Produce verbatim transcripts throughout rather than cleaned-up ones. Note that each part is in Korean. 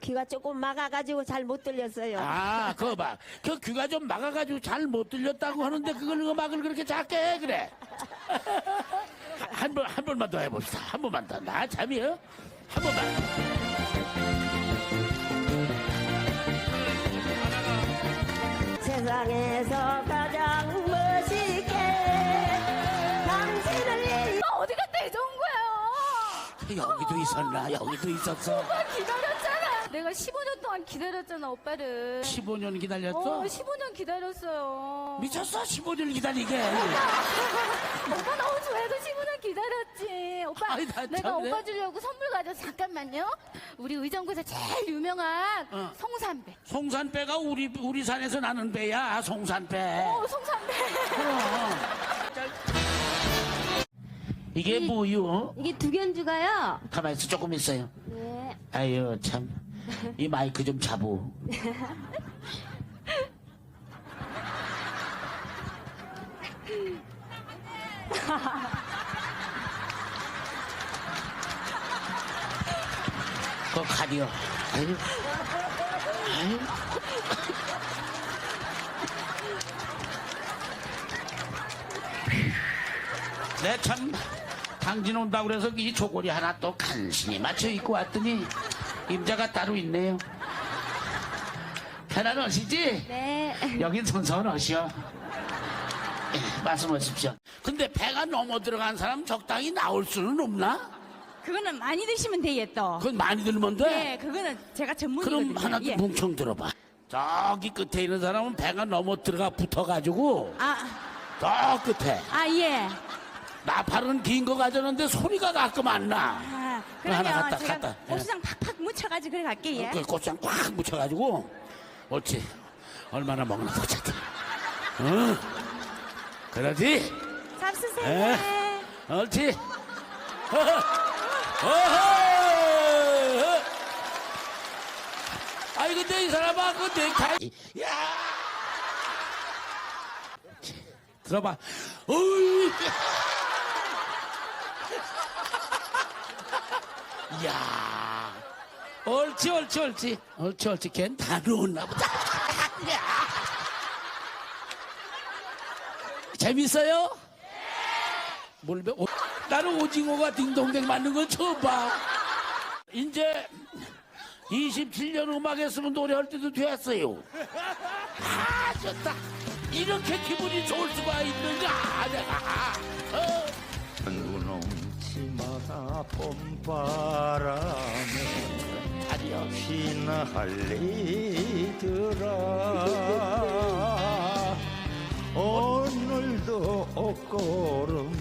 귀가 조금 막아가지고 잘 못 들렸어요. 아, 그거 봐. 그 귀가 좀 막아가지고 잘 못 들렸다고 하는데 그걸 음악을 그렇게 작게 해, 그래. 한 번, 한 번만 더 해봅시다. 한 번만 더. 나 참이요? 한 번만. 세상에서 가장 멋있게 당신을 위해 아, 어디 갔다 이제 온 거야? 여기도 있었나? 여기도 있었어. 오빠 기다렸잖아. 내가 십오 년 동안 기다렸잖아, 오빠를. 십오 년 기다렸어? 어, 십오 년 기다렸어요. 미쳤어? 십오 년 기다리게. 오빠 너무 좋아해서 십오 년 기다렸지. 오빠, 아이, 나 내가 참네. 오빠 주려고 선물 가져서 잠깐만요. 우리 의정부에서 제일 유명한 어. 송산배. 송산배가 우리, 우리 산에서 나는 배야, 송산배. 어, 송산배. 이게 뭐요? 이게 두 견주가요. 가만히 있어, 조금 있어요. 네. 아유, 참. 이 마이크 좀 잡어. 그거 가디요. 아유. 아유. 내 참, 당진 온다고 그래서 이 조골이 하나 또 간신히 맞춰 입고 왔더니 임자가 따로 있네요. 편한 옷이지? 네. 여긴 손서원 옷이요. 예, 말씀하십시오. 근데 배가 넘어 들어간 사람 적당히 나올 수는 없나? 그거는 많이 드시면 돼요, 또. 그건 많이 들면 돼? 예, 그거는 제가 전문이거든요. 그럼 하나 더 예. 뭉청 들어봐. 저기 끝에 있는 사람은 배가 넘어 들어가 붙어가지고 아, 저 끝에 아, 예. 나팔은 긴 거 가져는데 소리가 가끔 안 나. 아, 그거 하나 그러면 갖다, 제가 갖다. 예. 고추장 팍팍 묻혀가지고 그래 갈게요. 예. 그 고추장 꽉 묻혀가지고 옳지. 얼마나 먹나 보자. 어? 그러지? 잡수세요. 에? 옳지. 어허. 어허. 아이 근데 이 사람아 그 넥타이 야 들어봐. 어이. 야 옳지 옳지 옳지 옳지 옳지 걘 다 놓았나 보다. 재밌어요? 뭘 배? 오, 나는 오징어가 딩동댕 맞는 건 처음 봐. 이제 이십칠 년 음악 했으면 노래할 때도 됐어요. 아, 좋다. 이렇게 기분이 좋을 수가 있는가, 내가. 어. 눈홍치마다 봄바람에 아니요. 휘날리더라. 오늘도 옷걸음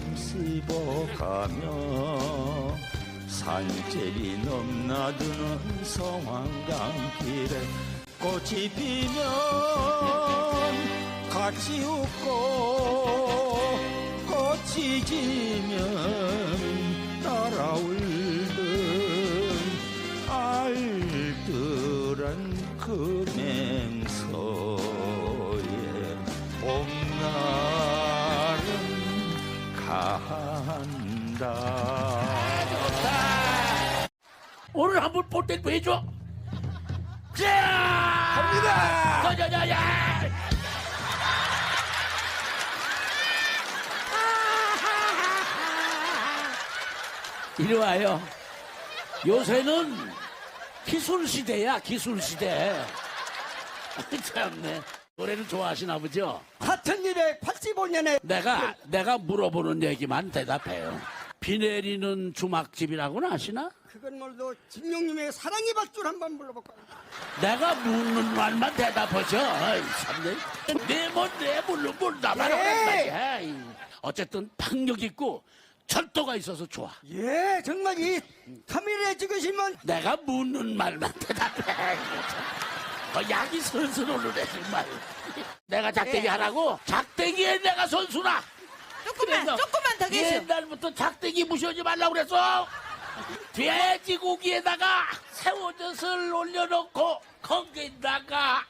씹어가며 산제리 넘나드는 성황강길에 꽃이 피면 같이 웃고 꽃이 지면 따라 울던 알뜰한 그 맹서에 봄날은 간다. 오늘 한번 볼 때 해줘. 자! 갑니다! 자자자자! 이리 와요. 요새는 기술 시대야, 기술 시대. 참네. 노래를 좋아하시나 보죠? 천이백팔십오 년에 내가, 내가 물어보는 얘기만 대답해요. 비 내리는 주막집이라고는 아시나? 그건 뭘도 진용님의 사랑의 밧줄 한번 불러볼까요? 내가 묻는 말만 대답하셔. 아이, 참네. 내뭔내 물론 뭘 나만 예. 하란 말이야. 아이. 어쨌든 박력 있고 철도가 있어서 좋아. 예, 정말 이 카메라에 찍으시면 내가 묻는 말만 대답해. 어, 약이 슬슬 오르네 정말. 내가 작대기 예. 하라고? 작대기에 내가 선수나. 조금만, 그래서 조금만 더 계셔. 옛날부터 작대기 무시하지 말라고 그랬어. 돼지고기에다가 새우젓을 올려놓고 거기다가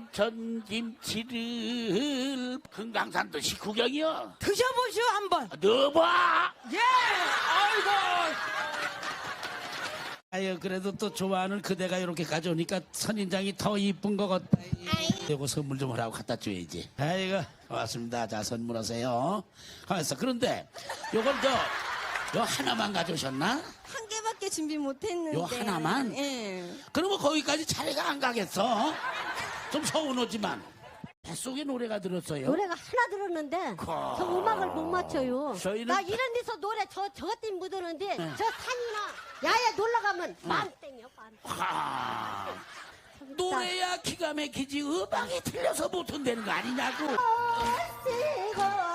광천김치를 금강산도 식후경이요. 드셔보시오, 한번. 넣어봐. 예, 아이고. 아유 그래도 또 좋아하는 그대가 이렇게 가져오니까 선인장이 더 이쁜 것 같다. 이거 선물 좀 하라고 갖다 줘야지. 아이고 고맙습니다. 자 선물하세요. 가만있어. 그런데 요걸 저, 요 하나만 가져오셨나? 한 개밖에 준비 못했는데. 요 하나만? 예. 그러면 거기까지 차례가 안 가겠어? 좀 서운하지만 뱃속에 노래가 들었어요. 노래가 하나 들었는데 거- 저 음악을 못 맞춰요. 저희는- 나 이런 데서 노래 저 저것 때문에 못 오는데 네. 저 산이나 야외 놀러 가면 만땡이요 만. 하, 노래야 기가 막히지 음악이 틀려서 못 한다는 거 아니냐고. 쓰고